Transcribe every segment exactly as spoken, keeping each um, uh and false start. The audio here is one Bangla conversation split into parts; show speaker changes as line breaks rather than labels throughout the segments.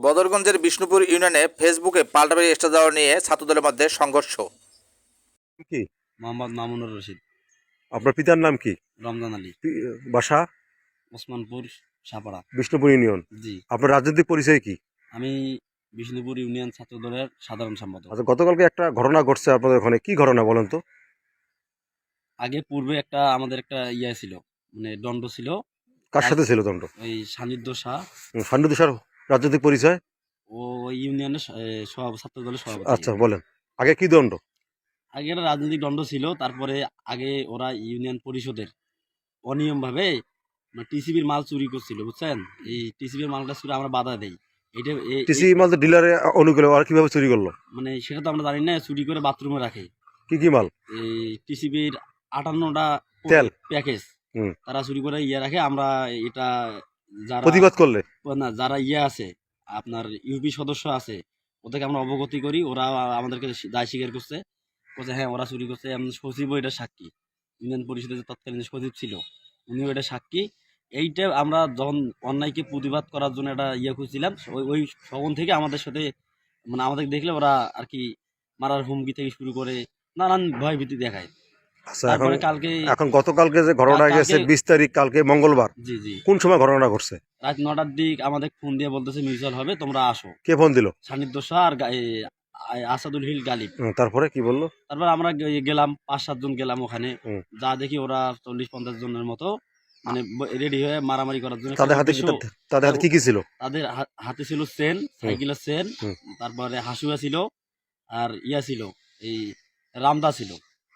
বদরগঞ্জের বিষ্ণুপুর ইউনিয়নে ফেসবুকে পাল্টাপাল্টি স্ট্যাটাস দেওয়া নিয়ে ছাত্রদলের মধ্যে সংঘর্ষ।
কি
মোহাম্মদ মামুনুর রশিদ।
আপনার পিতার নাম কি?
রমজান আলী।
পি- বাসা?
ওসমানপুর সাপাড়া।
বিষ্ণুপুর ইউনিয়ন।
জি,
আপনার রাজনৈতিক পরিচয় কি?
আমি বিষ্ণুপুর ইউনিয়ন ছাত্র দলের সাধারণ সম্পাদক।
আচ্ছা, গতকালকে একটা ঘটনা ঘটছে আপনাদের ওখানে, কি ঘটনা বলেন তো?
আগে পূর্বে একটা আমাদের একটা ইয়া ছিল, মানে দণ্ড ছিল।
কার সাথে ছিল দণ্ড?
ওই সান্নিধ্য শাহ
ফান্ডু দিশার রাজনৈতিক পরিচয়?
ও ওই ইউনিয়নের স- এ, সভাপ- ছাত্র দলের সভাপতি।
আচ্ছা বলেন, আগে কি দণ্ড?
আগে একটা রাজনৈতিক দণ্ড ছিল, তারপরে আগে ওরা ইউনিয়ন পরিষদের অনিয়ম ভাবে টিসিবির মাল চুরি করছিল, বুঝছেন? এই টিসিবির মালটা চুরি আমরা বাধা দেই। এটা এ-
টিসি
এ-
মাল তো ডিলারে অনুকূলে, আর কিভাবে চুরি করলো?
মানে সেটা তো আমরা জানি না, চুরি করে বাথরুমে রাখে।
কি কি মাল?
এই টিসিবির আটান্নটা
তেল।
প্যাকেজ
হুম।
তারা চুরি করে ইয়ে রাখে। আমরা এটা যারা
প্রতিবাদ করলে?
না, যারা ইয়ে আছে আপনার ইউপি সদস্য আছে ওদেরকে আমরা অবগতি করি, ওরা আমাদেরকে দায় স্বীকার করছে, বলছে হ্যাঁ ওরা চুরি করছে। এমন সচিবও এটা সাক্ষী, ইউনিয়ন পরিষদের যে তৎকালীন সচিব ছিল উনিও এটা সাক্ষী। এইটা আমরা যখন অন্যায়কে প্রতিবাদ করার জন্য একটা ইয়ে খুঁজছিলাম, ওই ওই তখন থেকে আমাদের সাথে মানে আমাদের দেখলে ওরা আর কি মারার হুমকি থেকে শুরু করে নানান ভয় ভীতি দেখায়।
আচ্ছা, এখন
তারপরে কালকে
এখন গতকালকে যে ঘটনা
কালকে-
গেছে বিশ তারিখ, কালকে মঙ্গলবার,
জি জি
কোন সময় ঘটনা ঘটছে?
রাত নটার দিক আমাদের ফোন দিয়ে বলতেছে মিউচুয়াল হবে, তোমরা আসো।
কে ফোন দিল?
সান্নিধ্য শাহ আর গা- এ, আ- আসাদুল হিল গালিব।
হুম, তারপরে কি বললো?
তারপর আমরা গে- গেলাম, পাঁচ সাতজন গেলাম ওখানে।
হুম।
যা দেখি ওরা চল্লিশ পঞ্চাশ জনের মতো মানে রেডি হয়ে মারামারি করার জন্য।
তাদের হাতে কি
উদ্দেশ্য,
তাদের হাতে কি কি ছিল?
তাদের হা- হাতে ছিল চেন, সাইকেলের চেন,
হুম।
তারপরে হাসুয়া ছিল, আর ইয়া ছিল এই রামদা ছিল।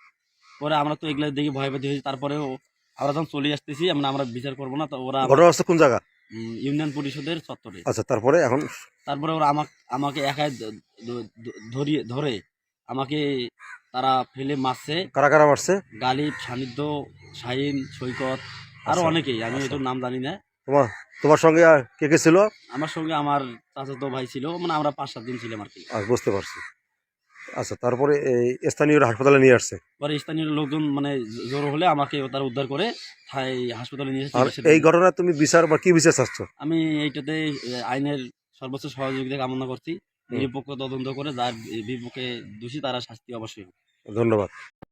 পরে আমরা তো এগুলো দেখি ভয় পেতে হয়েছি। তারপরেও আমরা যখন চলে আসতেছি আমরা আমরা বিচার করবো না, তো ওরা
ঘটনা হচ্ছে কোন জায়গা?
উম, ইউনিয়ন পরিষদের চত্বরে।
আচ্ছা, তারপরে এখন
তারপরে ওরা আমাকে আমাকে একাই দ- দ- দ- ধরিয়ে ধরে আমাকে তারা ফেলে মারছে।
কারা কারা মারছে?
গালিব, সান্নিধ্য, শাহিন, সৈকত, আরো
আচ্ছা,
অনেকেই, আমি
আচ্ছা।
এটার নাম জানি না।
তোমার তোমার সঙ্গে আর কে কে ছিল?
আমার সঙ্গে আমার চাচাতো ভাই ছিল, মানে আমরা পাঁচ সাত দিন ছিলাম আর কি।
আচ্ছা, বুঝতে পারছি। আচ্ছা, তারপরে এই স্থানীয় হাসপাতালে নিয়ে আসছে।
পরে স্থানীয় লোকজন মানে জোর হলে আমাকে তারা উদ্ধার করে থাই হাসপাতালে নিয়ে এসে
আর
চিকিৎসা
এই
দিল।
ঘটনায় তুমি বিচার বা কি বিচার চাচ্ছ?
আমি এইটাতে এ, আইনের সর্বোচ্চ সহযোগিতা কামনা করছি। নিরপেক্ষ তদন্ত করে যার বিপক্ষে দোষী তারা শাস্তি অবশ্যই হোক।
ধন্যবাদ।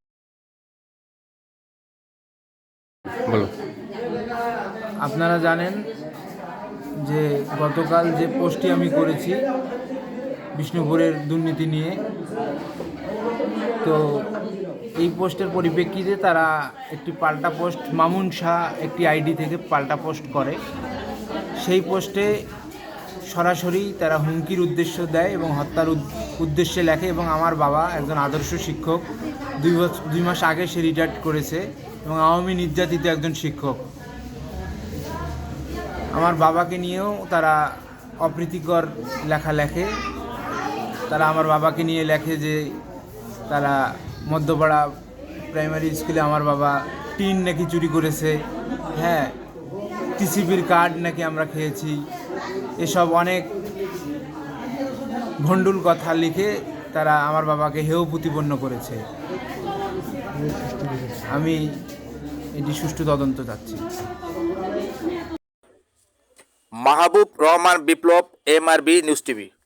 বলো।
আপনারা জানেন যে গতকাল যে পোস্টটি আমি করেছি বিষ্ণুপুরের দুর্নীতি নিয়ে, তো এই পোস্টের পরিপ্রেক্ষিতে তারা একটি পাল্টা পোস্ট, মামুন শাহ একটি আইডি থেকে পাল্টা পোস্ট করে। সেই পোস্টে সরাসরি তারা হুমকির উদ্দেশ্য দেয় এবং হত্যার উদ- উদ্দেশ্যে লেখে। এবং আমার বাবা একজন আদর্শ শিক্ষক, দুই বছর দুই মাস আগে সে রিটায়ার্ড করেছে এবং আওয়ামী নির্যাতিত একজন শিক্ষক। আমার বাবাকে নিয়েও তারা অপ্রীতিকর লেখা লেখে। তারা আমার বাবাকে নিয়ে লেখে যে তারা মধ্যপাড়া প্রাইমারি স্কুলে আমার বাবা টিন নাকি চুরি করেছে, হ্যাঁ টিসিবির কার্ড নাকি আমরা খেয়েছি, এসব অনেক ভণ্ডুল কথা লিখে তারা আমার বাবাকে হেয় প্রতিপন্ন করেছে। আমি এটি সুষ্ঠু তদন্ত চাচ্ছি।
Mahbub Rahman Biplob, MRB news TV.